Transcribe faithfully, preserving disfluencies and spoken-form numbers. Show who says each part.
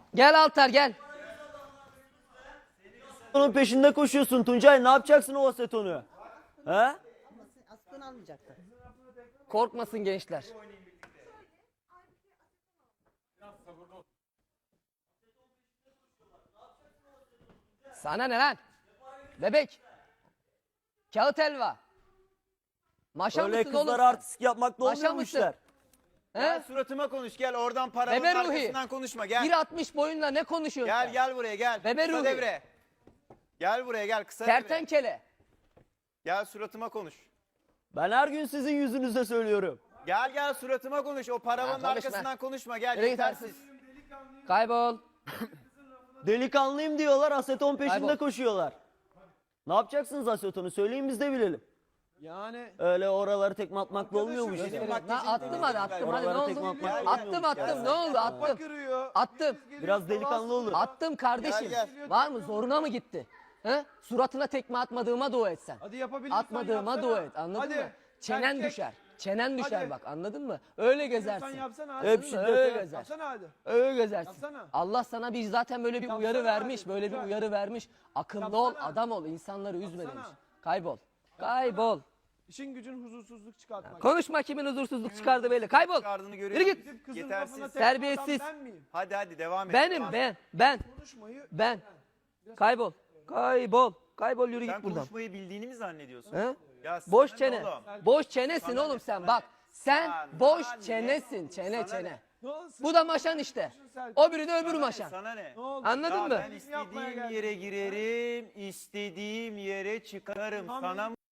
Speaker 1: Gel Altar gel.
Speaker 2: Onun peşinde koşuyorsun Tuncay. Ne yapacaksın o asetonu? He?
Speaker 3: Aslında almayacaktı.
Speaker 1: Korkmasın gençler. Sana ne lan? Bebek. Kağıt helva. Maşa
Speaker 2: Öyle
Speaker 1: mısın oğlum
Speaker 2: kızlara
Speaker 1: sen?
Speaker 2: artistik yapmakla
Speaker 1: Maşa
Speaker 2: olmuyor bu
Speaker 1: mısın?
Speaker 2: işler.
Speaker 4: Gel
Speaker 1: He?
Speaker 4: suratıma konuş gel oradan paranın
Speaker 1: Bebe Ruhi.
Speaker 4: arkasından konuşma gel.
Speaker 1: bir altmış boyunla ne konuşuyorsun
Speaker 4: Gel
Speaker 1: sen?
Speaker 4: gel buraya gel.
Speaker 1: Bebe
Speaker 4: kısa
Speaker 1: Ruhi.
Speaker 4: devre. Gel buraya gel kısa devre.
Speaker 1: Kertenkele.
Speaker 4: Gel suratıma konuş.
Speaker 2: Ben her gün sizin yüzünüze söylüyorum.
Speaker 4: Gel gel suratıma konuş. O paravanın
Speaker 1: konuşma.
Speaker 4: arkasından konuşma. Gel
Speaker 1: Nereye
Speaker 4: yetersiz.
Speaker 1: Kaybol.
Speaker 2: Delikanlıyım diyorlar, aseton peşinde
Speaker 1: Kaybol.
Speaker 2: koşuyorlar. Ne yapacaksınız asetonu? Söyleyin biz de bilelim.
Speaker 5: Yani
Speaker 2: Öyle oraları tekme atmakla olmuyor bu
Speaker 4: Benim
Speaker 2: işler.
Speaker 4: bak-
Speaker 1: Na, attım hadi attım hadi ne
Speaker 2: Oralara
Speaker 1: oldu?
Speaker 2: tekme atmak
Speaker 1: Attım
Speaker 2: olmuyor.
Speaker 1: attım ne oldu attım.
Speaker 5: kırıyor.
Speaker 1: Attım.
Speaker 2: Biraz delikanlı olun.
Speaker 1: Attım kardeşim.
Speaker 4: Gel,
Speaker 1: Var mı? Zoruna mı gitti? He? Suratına tekme atmadığıma dua et sen.
Speaker 5: Hadi yapabiliyorsan
Speaker 1: Atmadığıma
Speaker 5: yapsana.
Speaker 1: dua et. Anladın
Speaker 5: Hadi.
Speaker 1: mı? Çenen
Speaker 5: Erkek.
Speaker 1: düşer. Çenen düşer
Speaker 5: Hadi.
Speaker 1: bak. Anladın mı? Öyle
Speaker 5: Sen
Speaker 1: gezersin.
Speaker 5: yapsana hadi.
Speaker 2: Hep
Speaker 1: Anladın mı?
Speaker 2: şiddet
Speaker 1: Öyle
Speaker 2: ya.
Speaker 1: gezersin.
Speaker 5: Yapsana hadi.
Speaker 1: Öyle gezersin.
Speaker 5: Yapsana.
Speaker 1: Allah sana bir zaten böyle bir
Speaker 5: Yapsana
Speaker 1: uyarı
Speaker 5: hadi,
Speaker 1: vermiş. Böyle bir
Speaker 5: güzel.
Speaker 1: uyarı vermiş. Akıllı
Speaker 5: Yapsana.
Speaker 1: ol, adam ol, insanları üzme
Speaker 5: Yapsana.
Speaker 1: demiş. Kaybol. Kaybol.
Speaker 5: İşin gücün huzursuzluk çıkartmak.
Speaker 1: Konuşma kimin huzursuzluk çıkardı belli. Kaybol.
Speaker 4: Çıkardığını
Speaker 1: Yürü
Speaker 4: görüyorum.
Speaker 1: git.
Speaker 5: Gidip kızın
Speaker 4: Yetersiz.
Speaker 5: lafına tekme
Speaker 1: Terbiyesiz.
Speaker 5: atan ben miyim?
Speaker 4: Hadi hadi devam et.
Speaker 1: Benim
Speaker 4: devam et.
Speaker 1: ben ben
Speaker 5: Konuşmayı
Speaker 1: ben. Kaybol. Kaybol. Kaybol yürü
Speaker 4: Sen
Speaker 1: git buradan.
Speaker 4: konuşmayı bildiğini mi zannediyorsun?
Speaker 1: He?
Speaker 4: Ya sana
Speaker 1: Boş
Speaker 4: ne
Speaker 1: çene.
Speaker 4: oğlum?
Speaker 1: Boş çenesin
Speaker 4: Sana
Speaker 1: oğlum
Speaker 4: ne,
Speaker 1: sen
Speaker 4: sana
Speaker 1: bak.
Speaker 4: ne?
Speaker 1: Sen
Speaker 4: Sana
Speaker 1: boş
Speaker 4: ne?
Speaker 1: çenesin. Çene
Speaker 4: Sana
Speaker 1: çene.
Speaker 4: ne?
Speaker 5: ne olsun?
Speaker 1: Bu da maşan işte. O biri de öbür
Speaker 4: Sana ne,
Speaker 1: maşan.
Speaker 4: Sana ne?
Speaker 5: Ne oldu?
Speaker 1: Anladın
Speaker 4: Ya
Speaker 1: mı?
Speaker 4: ben istediğim yere girerim, istediğim yere çıkarım.
Speaker 5: Tamam.
Speaker 4: Sana